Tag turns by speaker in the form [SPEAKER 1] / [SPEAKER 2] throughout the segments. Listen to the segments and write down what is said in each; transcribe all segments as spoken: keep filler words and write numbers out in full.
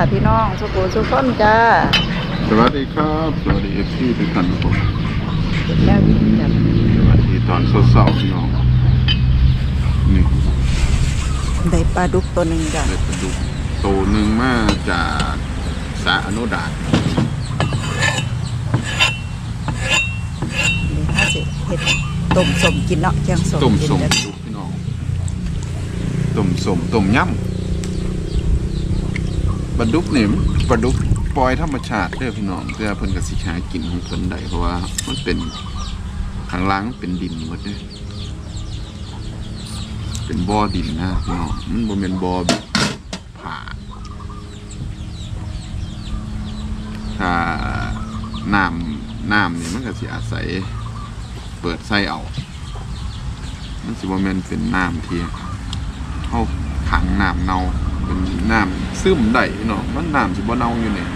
[SPEAKER 1] พี่น้องสุขุสุขคนจ้า
[SPEAKER 2] สวัสดีครับสวัสดีเอฟซีทุกท่านครับผม
[SPEAKER 1] แล้วกินจับ
[SPEAKER 2] สวัสดีตอนเช้าๆพี่น้องนี่
[SPEAKER 1] ได้ปลาดุกตัวหนึ่งจ้ะ
[SPEAKER 2] ได้ปลาดุกตัวหนึ่งมาจากสาอนุดาต
[SPEAKER 1] นี่ถ้าสิเห็ดต้มสมกินเนาะแกงสม
[SPEAKER 2] ต้ม
[SPEAKER 1] กิน
[SPEAKER 2] สม
[SPEAKER 1] จ้ะ
[SPEAKER 2] ดุกพี่น้องต้มสมต้มยำปลาดุกนี่ปลาดุกปล่อยธรรมชาติเด้อพี่น้องเพื่อเพิ่นกับสิหากินของเพิ่นได้เพราะว่ามันเป็นข้างล่างมันเป็นดินหมดเด้อเป็นบ่อดินนะพี่น้องมันบ่แม่นบ่อแบบผาถ้าน้ำน้ำนี่มันก็สิอาศัยเปิดไส้เอามันสิบ่แม่นเป็นน้ำที่เฮาขังน้ำเน่าเป็นน้ำซึมได้พี่น้องมันน้ำสิบ่เน่าอยู่นี่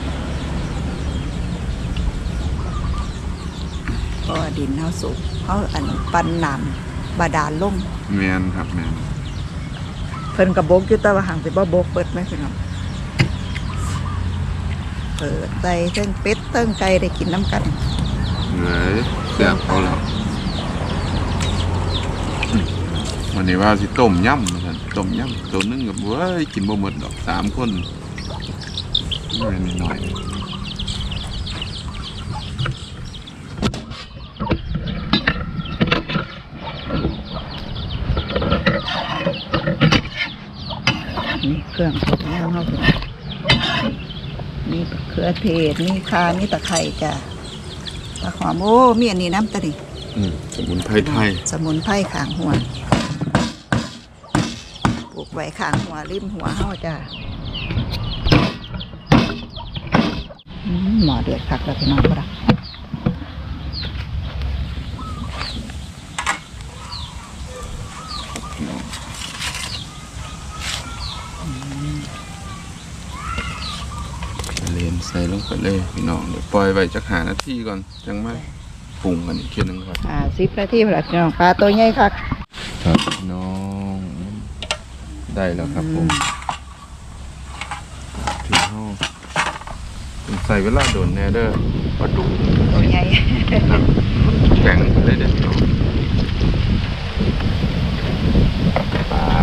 [SPEAKER 1] ก็ดินเฮาสูงเฮาอันปันน้ำบาดาลลง
[SPEAKER 2] แม่นครับแม่น
[SPEAKER 1] เพิ่นก็บกอยู่แต่ว่าห่างสิบ่บกเปิดไหมพี่น้องเปิดใส่เทั้งเป็ดเทั้งไก่ได้กินน้ำกัน
[SPEAKER 2] เลยแซ่บเอาแล้ววันนี้ว่าสิต้มยำเหมือนกันต้มยำตัวนึงกับเว้ยกินบ่หมดดอกสามคนน้อยน้อย
[SPEAKER 1] นี่เครื่องสดแล้วเฮาสิมีเครือเทศมีข่ามีตะไคร้จ้ะตะหอมโอ้มีอันนี้น้ำตะนี่
[SPEAKER 2] สมุนไพรไทย
[SPEAKER 1] สมุนไพรข้างหัวปลูกไว้ข้างหัวริมหัวเฮาจ้ะหมอเดือดคักแล้วพี่น้องบ่ล่ะ
[SPEAKER 2] เลนใส่ลงไปเลยพี่น้องเดี๋ยวปล่อยไว้จักหานาทีก่อนจังมาปรุงกันอีกทีนึงครับ
[SPEAKER 1] อ่าสิบนาทีแล้วพี่น้องปลาตัวใหญ่คัก
[SPEAKER 2] ครับพี่น้องได้แล้วครับผมที่ห้องใส่เวลาโดนแน่เด้อปลาดุก
[SPEAKER 1] ตัวใหญ่
[SPEAKER 2] แข็งเลยเด็ดน้องปลา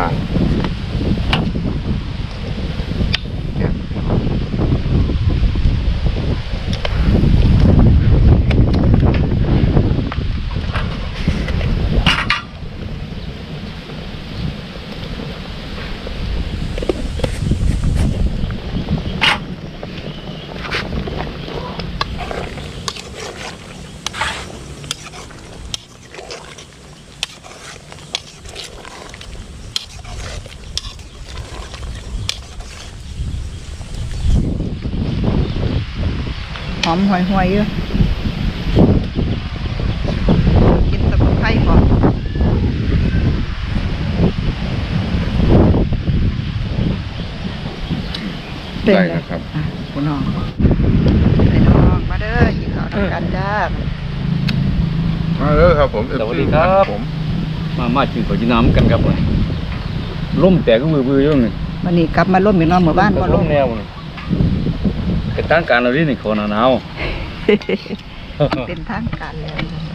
[SPEAKER 1] หอมห่วยๆอยู่กินสมุนไพรก่อน
[SPEAKER 2] ได้แล้วครับ
[SPEAKER 1] คุณน้องไปน้องมาเด้อกินข้าวด้วยกันจ้า
[SPEAKER 2] มาเด้อครับผม
[SPEAKER 3] สวัสดีครับผมมามากินข้าวจีน้ำกันครับผมล่มแต่ก็มือมืออยู่นี่
[SPEAKER 1] วันนี้กลับมาล่มอยู่นอนหมู่บ้านบ่
[SPEAKER 3] ล่มแนวนี่เป็นทางการเราดินี่คนหนาว
[SPEAKER 1] เป็นทางการแล้ว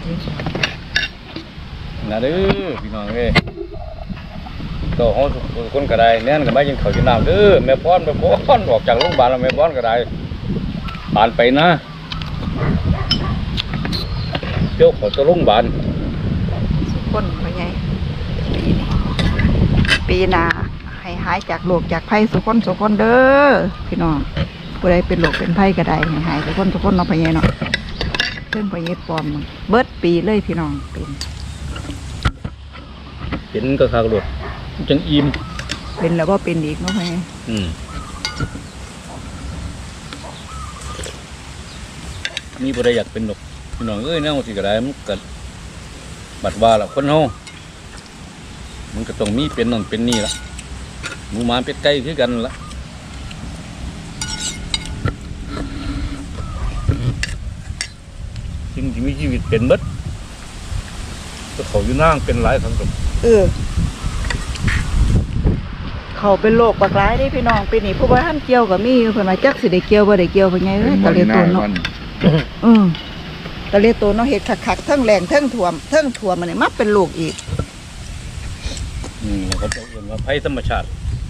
[SPEAKER 3] นะเด้อพี่น้องเอ้ยก็ห้องคนก็ได้แน่นก็ไม่กินข้าวจีน้ำเด้อแม่ป้อนแม่ป้อนออกจากโรงพยาบาลแล้วแม่ป้อนก็ได้ผ่านไปนะเจ้าขอจะโรงพยาบาล
[SPEAKER 1] สุขคนพ่อใหญ่ปีหน้าให้หายจากโรคจากภัยสุขคนสุขคนเด้อพี่น้องผู้ใดเป็นโรคเป็นภัยก็ได้ให้หายสุขคนสุขคนเนาะพ่อใหญ่เนาะเพิ่งพ่อใหญ่ปลอมเบิดปีเลยพี่น้องเป็น
[SPEAKER 3] เป็นก็คากระโดดจังอิ่ม
[SPEAKER 1] เป็นแล้วก็เป็นอีกเนาะพ่อใหญ่
[SPEAKER 3] อืมมีผู้ใดอยากเป็นหนกพี่น้องเอ้ยแนวสิก็ได้มันก็บัดว่าละคนเฮามันก็ต้องมีเป็นนั่นเป็นนี่ละหมูหมาเป็ดไก่คือกันละจริงที่มีชีวิตเป็นเบิดก็เขาอยู่นั่งเป็นหลายครั้งกับ
[SPEAKER 1] เออ เขเขาเป็นโรคปากร้ายได้พี่น้องปีนี้ผู้บ่ทันเกี่ยวก็มีอยู่เพิ่นว่าจักสิได้เกี่ยวบ่ได้เกี่ยวเพิ่นไงเอ้ยตะเลโตนเนาะอือตะเลโตนเนาะเฮ็ดคักๆทั้งแรงทั้งท่วมทั้งท่วมมันนี่มาเป็นโรคอีก
[SPEAKER 3] อืมเขาจะเรียกว่าภัยธรรมชาติ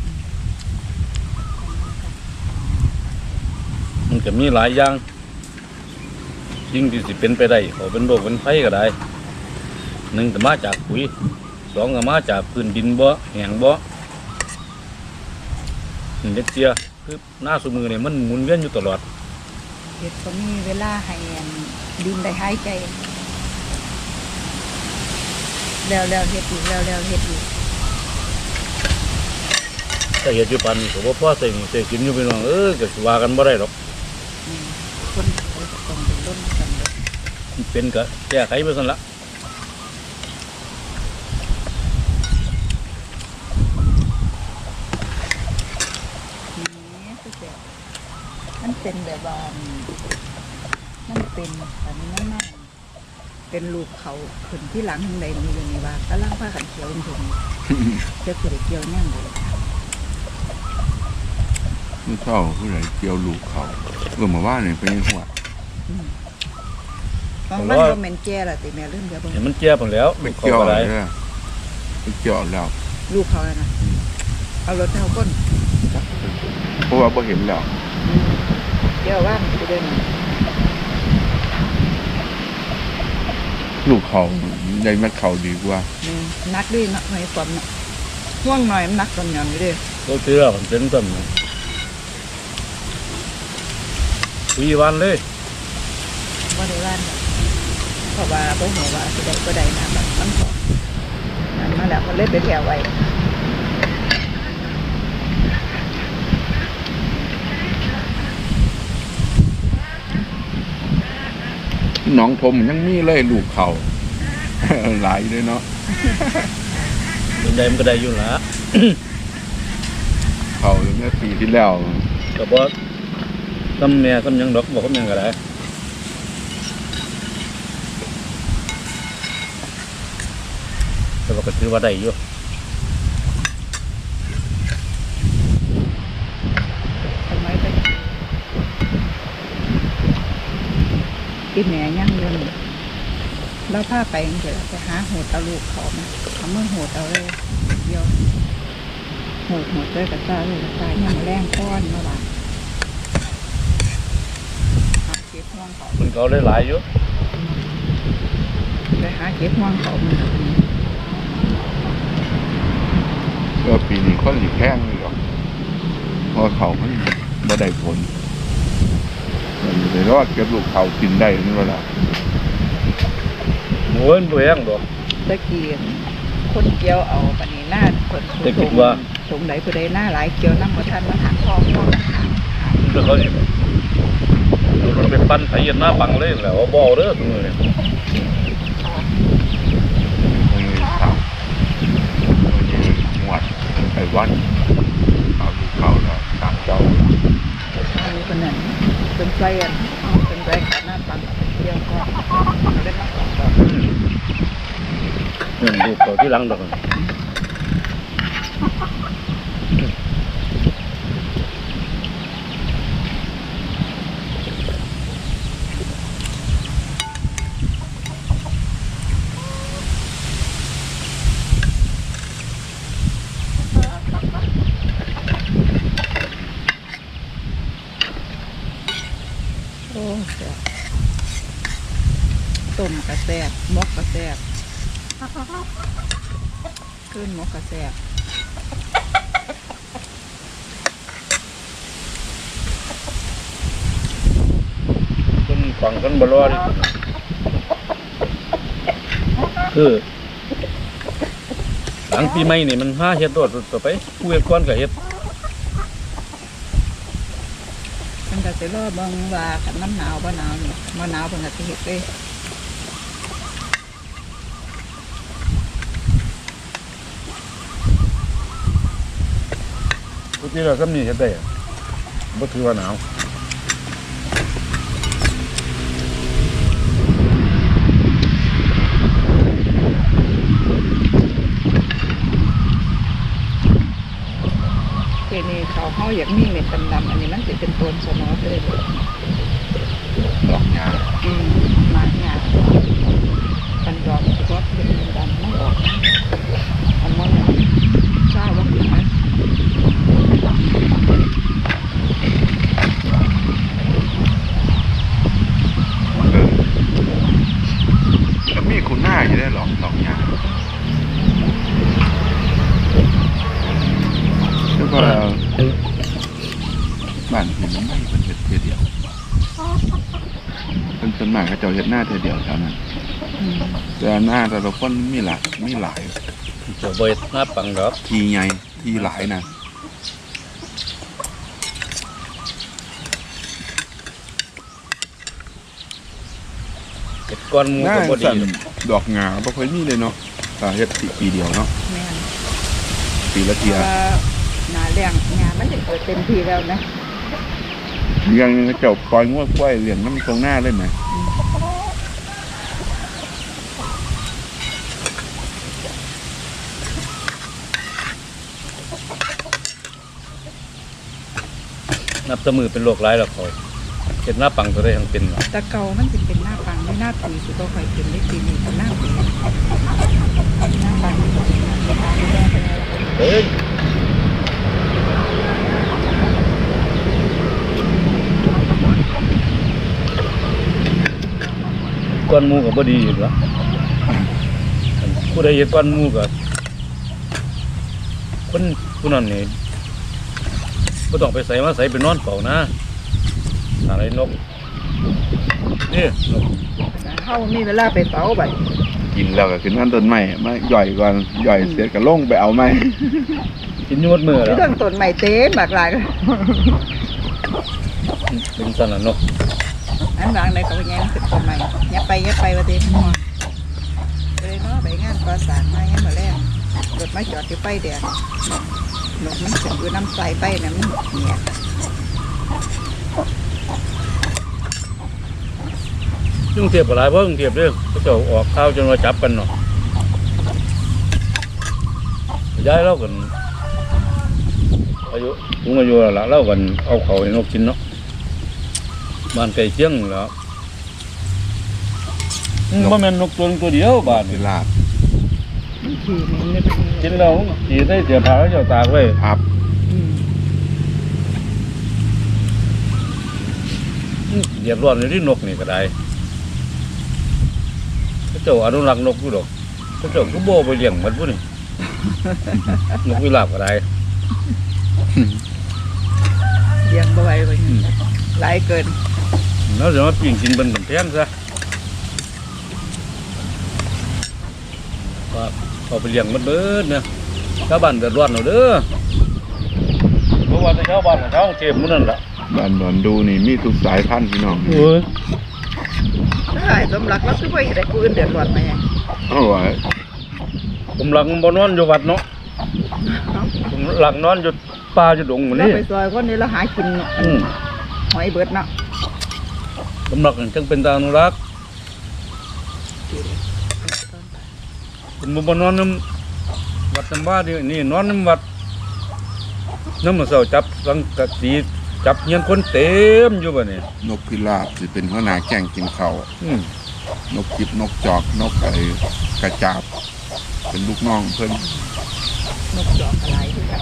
[SPEAKER 3] มันก็มีหลายอย่างสิ่งที่สิเป็นไปได้เขาเป็นโรคเป็นภัยก็ได้หนึ่งก็มาจากปุ๋ยสองก็มาจากพื้นดินบ่แห้งบ่นี่เด็กเสียคือหน้าสมือเนี่ยมันหมุนเวียนอยู่ตลอด
[SPEAKER 1] เฮ็ดก็มีเวลาให้ดินได้หายใจแล้วๆเฮ็ดอีกแล้วๆเฮ็ดอีก
[SPEAKER 3] ถ้าเหตุอยู่ปานนี้ก็บ่พอใส่หนี้ใส่กินอยู่พี่น้องเอ้ยก็สิว่ากันบ่ได้หรอก
[SPEAKER 1] อืมคนเขาจะต้องเป็นร่นกันเด้อ
[SPEAKER 3] มันเป็นก็แก้ไขไปซั่นละ
[SPEAKER 1] นี่คือแบบมันเป็นแบบว่ามันเป็นอันนี้มันมากเป็นลูกเขาขึ้นที่หลังทางใดมีอยู่ในว่ากำลังพากันเขียวถุงเจ้าคือได้เกี่ยวแน่งเลย
[SPEAKER 2] ไม่เท่าผู้ใดเกี่ยวลูกเขาเมื่อมาว่าเนี่ยเป็นหัว
[SPEAKER 1] บางวันก็เหม็นแก่ละติแม่เริ่มเดี๋ยวเบิ่ง
[SPEAKER 3] เห็นมันแก้พุ่นแล้ว
[SPEAKER 2] ไม่
[SPEAKER 3] เขา
[SPEAKER 2] เกี่ยว
[SPEAKER 3] ก็
[SPEAKER 2] เล
[SPEAKER 3] ได้
[SPEAKER 2] ยไม่เกี่ยวแล้ว
[SPEAKER 1] ลูกเขาแล้วนะเอารถเท้าก้น
[SPEAKER 2] เพราะว่าบ่เห็นแล้ว
[SPEAKER 1] เดี๋ยวว่างไปเดิน
[SPEAKER 2] ลูกเขาใหญ่แม่เขาดีกว่า
[SPEAKER 1] นี่นักด้วยนักหน่อยความนะห่วงหน่อยมันนักตอนหย่อนอยู่เด้อ
[SPEAKER 3] ก็คือมันเป็นต้นปีวันเลย
[SPEAKER 1] ว่าได้ว่านแบบเพราะว่าบ่หัวว่าสิได้บ่ได้นะแบบมันพอนั่นมาแล้วมันเลยไปแถวไว้
[SPEAKER 2] น้องทมยังมีเลยลูกเขา หลายเลยเนาะ
[SPEAKER 3] เป็นใดมันก็ได้อยู่ละ
[SPEAKER 2] เขาเมื่อปีที่แล้ว
[SPEAKER 3] ก็บ่ทำแม่ทำหยังดอกบ่ทำหยังก็ได้แต่ว่าก็ถือว่าได้อยู่
[SPEAKER 1] ทำไมไปอีแม่ยังอยู่นี่เราพาไปจังซี่ล่ะไปหาโหดเอาลูกเขามาเอามือโหดเอาเลยเดียวโหดโหดเลยกับตาเลยกับตายังมาแรงก้อนมาว่าหาเก็บห่วงเขา
[SPEAKER 3] มันก็ได้หลายอยู่
[SPEAKER 1] ไปหาเก็บห่วงเขามัน
[SPEAKER 2] ก็ปีนี้คนหลีกแข้งเลยหรอกเพราะเขามันบ่ได้ผลมันอยู่ในรอดเก็บลูกเขากินได้นี่ว่าล่ะ
[SPEAKER 3] หมูนบ่แห้งดอก
[SPEAKER 1] ตะเกียนคนเกี่ยวเอาปานนี้หน้าคน
[SPEAKER 3] แต่คิดว่า
[SPEAKER 1] สงไหนผู้ใดหน้าหลายเกี่ยวน้ำมาทันมาหักทองทอง
[SPEAKER 3] มันก็สิมันเป็นปั้นไถเย็นหน้าปังเลยแหล้วบ่เด้อซุมื้อนี้
[SPEAKER 2] มันมีเขามันมีหวดไอ้วัดเขาลูกเขาแล้วสามเจ้า
[SPEAKER 1] อันนี้คนนั้นเป็นใจอ่ะเป็นใจขาหน้าปังเกี่ยวก็เล่นมาสองต่อ
[SPEAKER 3] เงินลูกเขาที่หลังดอก
[SPEAKER 1] โอ้แซ่บต้มกระแซบมกกระแซบขึ้นมกกระแซบ
[SPEAKER 3] คนฟังกันบ่รอดิคือหลังปีใหม่นี่มันหาเฮ็ดโดดต่อไปผู้เฮ็ดก่อนก็เฮ็ด
[SPEAKER 1] มันก็จะรอเบิ่งว่าคันมันหนาวบ่หนาวนี่บ่หนาวเพิ่นก็สิเฮ็ดเลย
[SPEAKER 3] ผู้ที่เราซ้ำนี่เฮ็ดได้อะบ่ถือว่าหนาว
[SPEAKER 1] ทีนี้เขาเขาอยากมีเม็ดดำๆอันนี้มันจะเป็นต้นสมอเลย
[SPEAKER 2] ดอกยา
[SPEAKER 1] อืมมากงามันดอกก็เป็นดำไม่ออกอันมันทราบว่าอย่างไร
[SPEAKER 2] เออแล้วมีคุณหน้าอยู่ได้หรอกดอกยาแล้วก็บ้านผมมันไม่เป็นเห็ดเทียเดียวเป็นต้นไม้เขาเจ้าเห็ดหน้าเทียเดียวเท่านั้นแต่หน้าแต่ละคนมีหลายมีหลาย
[SPEAKER 3] เจ้าบ่เฮ็ดหน้าปังดอก
[SPEAKER 2] ทีใหญ่ทีหลายนะ
[SPEAKER 3] เฮ็ดก้อนหมู
[SPEAKER 2] หน้า
[SPEAKER 3] ก็บ่ดี
[SPEAKER 2] สั่นดอกงาบ่ค่อยมีเลยเนาะแต่เฮ็ดปีปีเดียวเนาะ
[SPEAKER 1] แม่น
[SPEAKER 2] ปีละ
[SPEAKER 1] เพ
[SPEAKER 2] เทีย
[SPEAKER 1] ราะว่าหนาแรงงานมันจะเกิดเต็มทีแล้วนะ
[SPEAKER 2] ยังเจ้าปล่อยงวดกล้วยเลี้ยงน้ำตรงหน้าเลยไหม
[SPEAKER 3] นับแตะมือเป็นโรคร้ายแล้วเขาเฮ็ดหน้าปังก็ได้ทั้งเป็นว่ะ
[SPEAKER 1] แต่เก่ามันจะเป็นหน้าปังไม่หน้าปีสุดก็ค่อยเป็นเล็กปีนี้เป็นหน้าปีหน้าปัง
[SPEAKER 3] เฮ้ยก้อนหมูก็บ่ดีอีกละผู้ใดเฮ็ดก้อนหมูก็คนผู้นั้นนี่บ่ต้องไปใส่มาใส่ไปนอนเฝ้านะอะไรนกนี่นก
[SPEAKER 1] เขามีเวลาไปเฝ้าไป
[SPEAKER 2] กินแล้วก็ขึ้นนั่นต้นไม้มาย่อยก่อนย่อยเสร็จก็ลงไปเอาไม้
[SPEAKER 3] กินอยู่หมดมื้อแล้ว
[SPEAKER 1] เรื่องต้นใหม่เต็มหลากหลาย
[SPEAKER 3] เป็นซั่นน่ะเนาะ
[SPEAKER 1] อันบางในเขาแย้งเป็นต้นใหม่ยับไปยับไปว่าเต็มหัวไปเลยเนาะไปงานก่อสร้างมายังมาแรกรถมาจอดที่ไฟแดงนกมันขึ้นอยู่น้ำใสไฟน้ำเนี่ย
[SPEAKER 3] กรุงเทพก็หลายบ่กรุงเทพเด้อเขาเจ้าออกข่าวจนว่าจับกันเนาะย้ายเรากันอายุสูงอายุแล้วล่ะเรากันเอาเขาให้นกกินเนาะบ้านไก่เชียงแหล้วบ่แม่นนกตัวนึงตัวเดียวบ้าน
[SPEAKER 2] สิ
[SPEAKER 3] นี่
[SPEAKER 2] ลาบ
[SPEAKER 1] ขี่มันไม่เป็น
[SPEAKER 3] กินแล้วสิได้เสียผ้าเขาเจ้าตากไว้
[SPEAKER 2] อับ
[SPEAKER 1] อืม
[SPEAKER 3] เดือดร้อนอยู่ที่นกนี่ก็ได้เขาเจ้าอนุรักษ์นกอยู่ดอกเขาเจ้าก็บ่ไปเลี้ยงมันพุ่นนี่ นกวิลาบก็ได้
[SPEAKER 1] เลี้ยงบ่ไหวไปหลายเกิน
[SPEAKER 3] แล้วจะมาปิ้งกินบนกำแพงซะว่าเอาไปเลี้ยงมันเบิดเนี่ยชาวบ้านเดือดร้อนเอาเด้อเพราะว่าแต่ชาวบ้านกับชาวกรุงเทพหมื้นั่นล่ะ
[SPEAKER 2] บ้านดอนดูนี่มีทุกสายพันธุ์พี่น้อง
[SPEAKER 3] โอ้ย
[SPEAKER 1] ใช่สมรักแล้วคือไปแต่กูอื่นเดือดร้อนมาไง
[SPEAKER 2] เอาไว้
[SPEAKER 3] ผมหลังบ่นอนอยู่วัดเนาะผมหลังนอนอยู่ป่าอยู่ดงหมื้
[SPEAKER 1] เรา
[SPEAKER 3] นี้
[SPEAKER 1] ไปซอยคนนี้เราหากินเนาะ
[SPEAKER 3] อืม
[SPEAKER 1] หอยเบิดเนาะ
[SPEAKER 3] ผมหลักจังเป็นตาอนุรักษ์ผมบ่นอนน้ำวัดน้ำบ้าดินี่นอนน้ำวัดน้ำมันเสาจับสังกะสีจับเงี้ยนคนเต็มอยู่บ่เนี่ย
[SPEAKER 2] นกพิราบสิเป็นหัวหน้าแก่งกินข้าว
[SPEAKER 3] อืม
[SPEAKER 2] นกจิบนกจอกนกไอ้กระจาบ เป็นลูกน้องเพิ่น
[SPEAKER 1] นกจอกอะไรที่กัน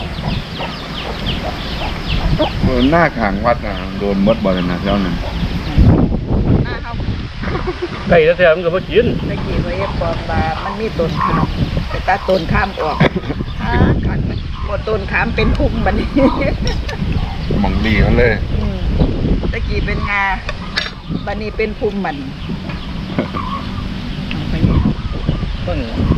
[SPEAKER 2] เพิ่นหน้าข้างวัดน่ะโดนมดบ่เลยนะเท่านั้น
[SPEAKER 1] หน้าเขา
[SPEAKER 3] ไก่แท้ๆมันก็บ่กิน
[SPEAKER 1] ตะกี้ว่าเอ็บปอมบามันมีต้นขามแต่ตาต้นข้ามออกหาขันหมดต้นขามเป็นพุ่มบัดนี้
[SPEAKER 2] หมองดีเขาเลย
[SPEAKER 1] อืมตะกี้เป็นงาบัดนี้เป็นพุ่มมันเอาไปนี่
[SPEAKER 3] ต้อง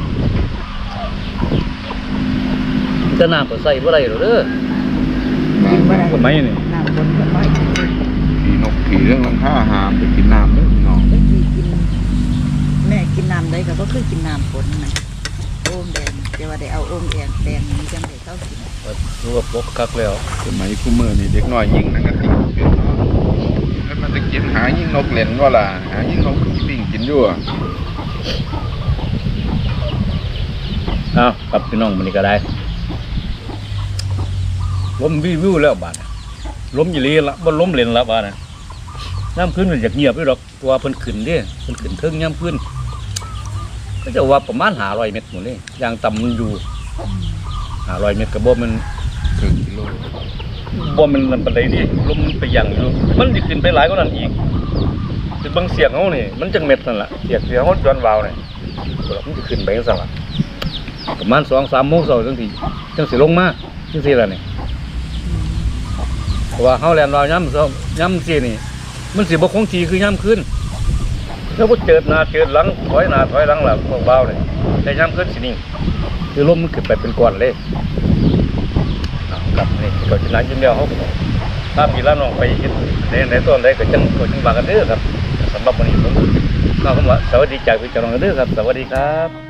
[SPEAKER 3] จะน้ำก็ใส่บ่ได้หรอกเด้อ
[SPEAKER 1] กินบ่ได้
[SPEAKER 3] กฎหมายนี่
[SPEAKER 1] น้ำคนก็ไม่กิน
[SPEAKER 2] ผีนกผีเรื่องหลังค่าหามไปกินน้ำเด้อพี่น้อง
[SPEAKER 1] ตะกี้กิน แม่กินน้ำได้ก็บ่คือกินน้ำฝนนะโอ่งแดงแต่ว่าได้เอาโอ่งแดงแดงนี้จังได้เท่ากิน
[SPEAKER 3] รู้ว่าปกคักแล้ว
[SPEAKER 2] สมัยคู่มือนี่เด็กน้อยยิงหนังกะติกเป็นเนาะแล้วมันจะกินหายิงนกเล่นว่าล่ะหายิงนกปิ้งกินอยู่อะ
[SPEAKER 3] เอาครับพี่น้องมันนี่ก็ได้ล้มวิววิวแล้วบาดน่ะล้มอยู่เลยละบ่ล้มเล่นละบาดน่ะย่ำขึ้นมันอยากเงียบอยู่ดอกตัวเพิ่นขึ้นเด้เพิ่นขึ้นเทิงย่ำขึ้นก็จะว่าประมาณห้าร้อยเมตรหมดเลยอย่างต่ำมันอยู่ห้าร้อยเมตรก็บ่มัน
[SPEAKER 2] ครึ่งกิโล
[SPEAKER 3] บ่มันนั่นปานใดนี่ลมมันไปยังอยู่มันสิขึ้นไปหลายกว่านั้นอีกคือเบิ่งเสียงเฮานี่มันจังเม็ดนั่นล่ะเสียงเสียงเฮาย้อนวาวนี่มันสิขึ้นไปจังซั่นล่ะประมาณ สองสามโมงเช้าจังสิจังสิลงมาจังซี่ล่ะนี่เพราะว่าเฮาแล่นวาวยามเช้ายามซี่นี่มันสิบ่คงที่คือยามคืนถ้าบ่เจิดหน้าเจิดหลังถอยหน้าถอยหลังล่ะพวกวาวนี่แต่ยามคืนสินิ่งคือลมมันขึ้นไปเป็นก้อนเลยอ้าวครับนี่ก็สินานยิ้มแล้วเฮาก็ถ้าพี่ละน้องไปเฮ็ดในในต้นใดก็จังก็จังว่ากันเด้อครับสำหรับวันนี้ผมก็คำว่าสวัสดีจากพี่เจ้าน้องเด้อครับสวัสดีครับ